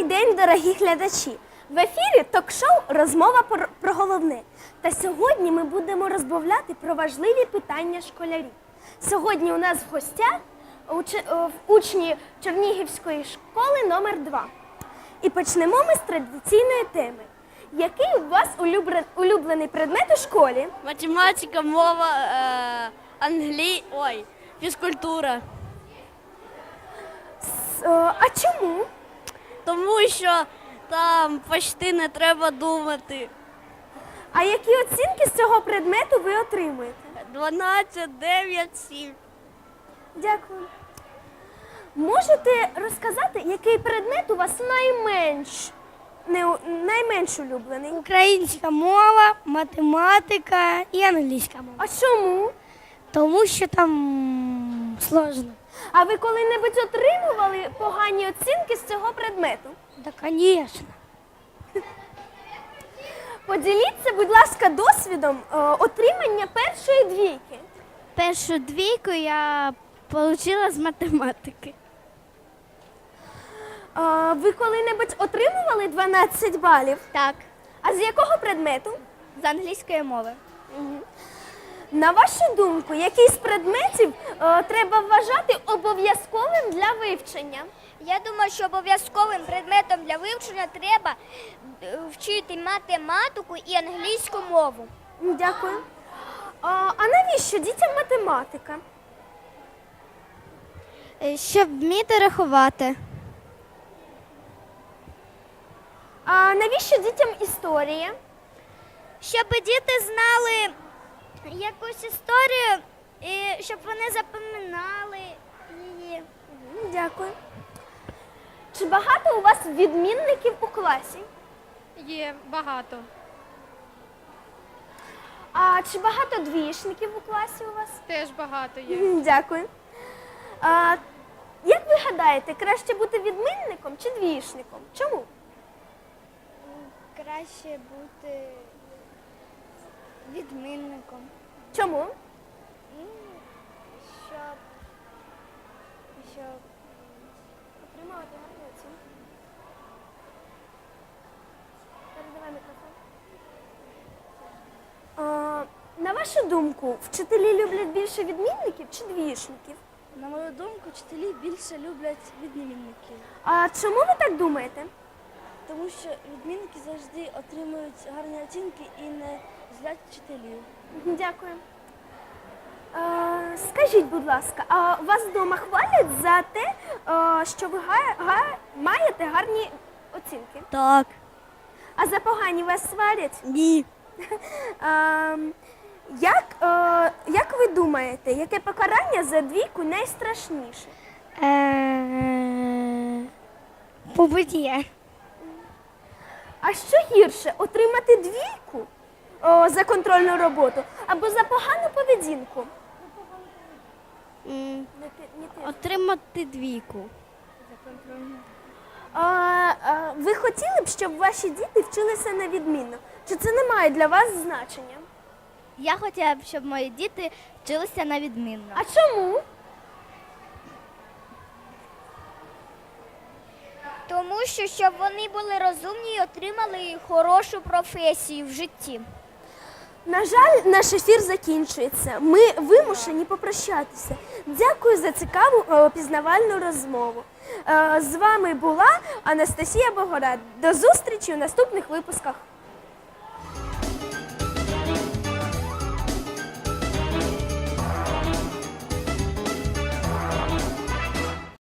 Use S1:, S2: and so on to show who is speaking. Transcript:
S1: день, дорогі глядачі! В ефірі ток-шоу «Розмова про головне». Та сьогодні ми будемо розмовляти про важливі питання школярів. Сьогодні у нас в гостях учні Чернігівської школи номер 2. І почнемо ми з традиційної теми. Який у вас улюблений предмет у школі?
S2: Математика, мова, фізкультура.
S1: А чому?
S2: Тому що там почти не треба думати.
S1: А які оцінки з цього предмету ви отримуєте?
S2: 12, 9, 7.
S1: Дякую. Можете розказати, який предмет у вас найменш улюблений?
S3: Українська мова, математика і англійська мова.
S1: А чому?
S3: Тому що там сложно.
S1: А ви коли-небудь отримували погані оцінки з цього предмету?
S3: Да, звісно.
S1: Поділіться, будь ласка, досвідом отримання першої двійки.
S3: Першу двійку я отримала з математики.
S1: Ви коли-небудь отримували 12 балів?
S3: Так,
S1: А з якого предмету?
S3: з англійської мови.
S1: На вашу думку, який з предметів треба вважати обов'язковим для вивчення?
S4: Я думаю, що обов'язковим предметом для вивчення треба вчити математику і англійську мову.
S1: Дякую. А навіщо дітям математика?
S3: Щоб вміти рахувати.
S1: А навіщо дітям історія?
S4: Щоб діти знали якусь історію, і щоб вони запам'ятали її.
S1: Дякую. Чи багато у вас відмінників у класі?
S5: Є багато.
S1: А чи багато двієчників у класі у вас?
S5: Теж багато є.
S1: Дякую. Як ви гадаєте, краще бути відмінником чи двієчником? Чому?
S4: Краще бути відмінником,
S1: Чому?
S4: щоб
S1: Отримувати гарну оцінку. Передавай мікрофон. На вашу думку, вчителі люблять більше відмінників чи двієчників?
S3: На мою думку, вчителі більше люблять відмінників.
S1: А чому ви так думаєте?
S3: Тому що відмінники завжди отримують гарні оцінки і не злять вчителів.
S1: Дякую. Скажіть, будь ласка, а вас вдома хвалять за те, що ви маєте гарні оцінки?
S2: Так.
S1: А за погані вас сварять?
S2: Ні.
S1: Як ви думаєте, яке покарання за двійку найстрашніше?
S3: Побиття.
S1: А що гірше, отримати двійку за контрольну роботу або за погану поведінку?
S2: Отримати двійку.
S1: Ви хотіли б, щоб ваші діти вчилися на відмінно? Чи це не має для вас значення?
S3: Я хотіла б, щоб мої діти вчилися на відмінно.
S1: А чому?
S4: тому що щоб вони були розумні і отримали хорошу професію в житті.
S1: На жаль, наш ефір закінчується. Ми вимушені попрощатися. Дякую за цікаву пізнавальну розмову. З вами була Анастасія Богорад. До зустрічі у наступних випусках.